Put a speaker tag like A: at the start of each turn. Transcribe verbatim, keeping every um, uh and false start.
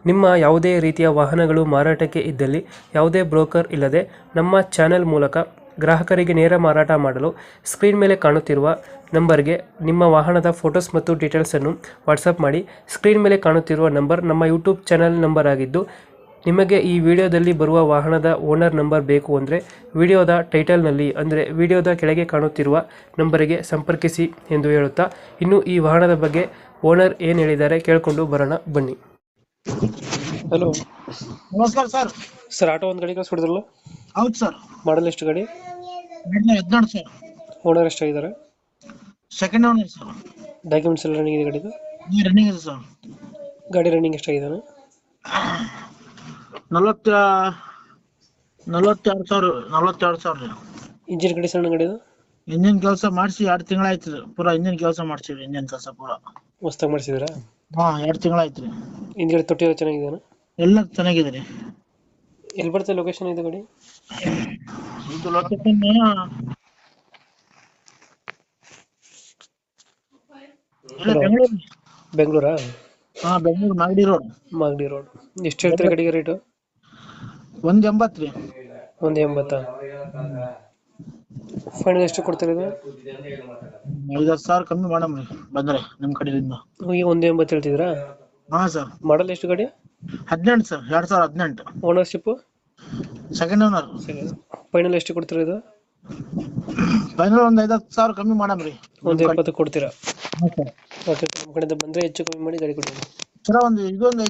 A: ನಿಮ್ಮ ಯಾವುದೇ ರೀತಿಯ ವಾಹನಗಳು ಮಾರಾಟಕ್ಕೆ ಇದ್ದಲ್ಲಿ ಯಾವುದೇ ಬ್ರೋಕರ್ ಇಲ್ಲದೆ ನಮ್ಮ ಚಾನೆಲ್ ಮೂಲಕ ಗ್ರಾಹಕರಿಗೆ ನೇರ ಮಾರಾಟ ಮಾಡಲು ಸ್ಕ್ರೀನ್ ಮೇಲೆ ಕಾಣುತ್ತಿರುವ ನಂಬರ್ಗೆ ನಿಮ್ಮ ವಾಹನದ ಫೋಟೋಸ್ ಮತ್ತು ಡೀಟೇಲ್ಸನ್ನು ವಾಟ್ಸಪ್ ಮಾಡಿ. ಸ್ಕ್ರೀನ್ ಮೇಲೆ ಕಾಣುತ್ತಿರುವ ನಂಬರ್ ನಮ್ಮ ಯೂಟ್ಯೂಬ್ ಚಾನೆಲ್ ನಂಬರ್ ಆಗಿದ್ದು, ನಿಮಗೆ ಈ ವಿಡಿಯೋದಲ್ಲಿ ಬರುವ ವಾಹನದ ಓನರ್ ನಂಬರ್ ಬೇಕು ಅಂದರೆ ವಿಡಿಯೋದ ಟೈಟಲ್ನಲ್ಲಿ ಅಂದರೆ ವಿಡಿಯೋದ ಕೆಳಗೆ ಕಾಣುತ್ತಿರುವ ನಂಬರಿಗೆ ಸಂಪರ್ಕಿಸಿ ಎಂದು ಹೇಳುತ್ತಾ, ಇನ್ನು ಈ ವಾಹನದ ಬಗ್ಗೆ ಓನರ್ ಏನು ಹೇಳಿದ್ದಾರೆ ಕೇಳಿಕೊಂಡು ಬರೋಣ ಬನ್ನಿ. ಹಲೋ
B: ನಮಸ್ಕಾರ ಸರ್.
A: ಸರ್, ಆಟೋ ಒಂದು ಗಾಡಿ ಕಳಿಸ್ಕೊಡಿದ್ರಲ್ಲ,
B: ಹೌದು ಸರ್.
A: ಮಾಡಲ್ ಎಷ್ಟು ಗಾಡಿ?
B: ಹದಿನೆಂಟು ಸರ್.
A: ಓನರ್ ಎಷ್ಟಾಗಿದ್ದಾರೆ?
B: Second owner sir.
A: ಡಾಕ್ಯುಮೆಂಟ್ಸ್ ಎಲ್ಲ ರನ್ನಿಂಗ್ ಇದೆ ಗಾಡಿದು?
B: ರನ್ನಿಂಗ್ ಇದೆ ಸರ್.
A: ಗಾಡಿ ರನ್ನಿಂಗ್ ಎಷ್ಟಾಗಿದ್ದಾನೆ?
B: ನಲವತ್ತ ನಲವತ್ತೆರಡು ಸಾವಿರ ನಲವತ್ತೆರಡು ಸಾವಿರ.
A: ಇಂಜಿನ್ ಗಾಡಿ ಸಣ್ಣ ಗಾಡಿದು?
B: ಇಂಜಿನ್ ಕೆಲಸ ಮಾಡಿಸಿ ಎರಡು ತಿಂಗಳಾಯ್ತು ರೀ. ಪೂರಾ ಇಂಜಿನ್ ಕೆಲಸ ಮಾಡ್ಸಿವಿ. ಇಂಜಿನ್ ಕೆಲಸ ಪೂರಾ
A: ಹೊಸ್ದಾಗಿ ಮಾಡಿಸಿದ್ರಾ?
B: ಹಾ, ಎರಡು ತಿಂಗಳಾಯ್ತು ರೀ.
A: ಹಿಂದ್ಗಡೆ ತೊಟ್ಟಿ ಎಲ್ಲ ಚೆನ್ನಾಗಿದೆಯಾ?
B: ಎಲ್ಲ ಚೆನ್ನಾಗಿದೆ ರೀ.
A: ಎಲ್ಲಿ ಬರ್ತದೆ ಲೊಕೇಶನ್ ಇದು ಗಾಡಿ?
B: ಇದು ಲೊಕೇಶನ್ ಬೆಂಗಳೂರು.
A: ಬೆಂಗಳೂರಾ?
B: ಹಾ, ಬೆಂಗಳೂರು ಮಾಗಡಿ ರೋಡ್.
A: ಮಾಗಡಿ ರೋಡ್. ಎಷ್ಟು ಹೇಳ್ತೀರಾ ಗಾಡಿಗೆ ರೇಟು?
B: ಒಂದ್ ಎಂಬತ್ತು ರೀ.
A: ಒಂದು ಎಂಬತ್ತಾ? ಫೈನಲ್ ಎಷ್ಟು ಕೊಡ್ತೀರಾ ಇದು?
B: ಐದು ಸಾವಿರ ಕಮ್ಮಿ ಮಾಡಮ್ ರೀ ಬಂದ್ರೆ ನಿಮ್ ಕಡೆಯಿಂದ.
A: ಈಗ ಒಂದು ಎಂಬತ್ತು ಹೇಳ್ತಿದ್ರಾ?
B: ಹಾ ಸರ್.
A: ಮಾಡಲ್ ಎಷ್ಟು ಗಾಡಿ?
B: ಹದಿನೆಂಟು ಸರ್, ಎರಡ್ ಸಾವಿರದ ಹದಿನೆಂಟು.
A: ಓನರ್ಶಿಪ್?
B: Second owner.
A: ಫೈನಲ್ ಎಷ್ಟು ಕೊಡ್ತೀರಾ ಇದು?
B: ಫೈನಲ್ ಒಂದ್ ಐದು ಸಾವಿರ ಕಮ್ಮಿ ಮಾಡಮ್ ರೀ.
A: ಒಂದು ಎಪ್ಪತ್ತು ಕೊಡ್ತೀರಾ?
B: ಹಾ ಸರ್.
A: ಓಕೆ, ನಮ್ಮ ಕಡೆಯಿಂದ ಬಂದರೆ ಹೆಚ್ಚು ಕಮ್ಮಿ ಮಾಡಿ ಗಾಡಿ ಕೊಡಿ.
B: ಸರ ಒಂದು ಇದೊಂದು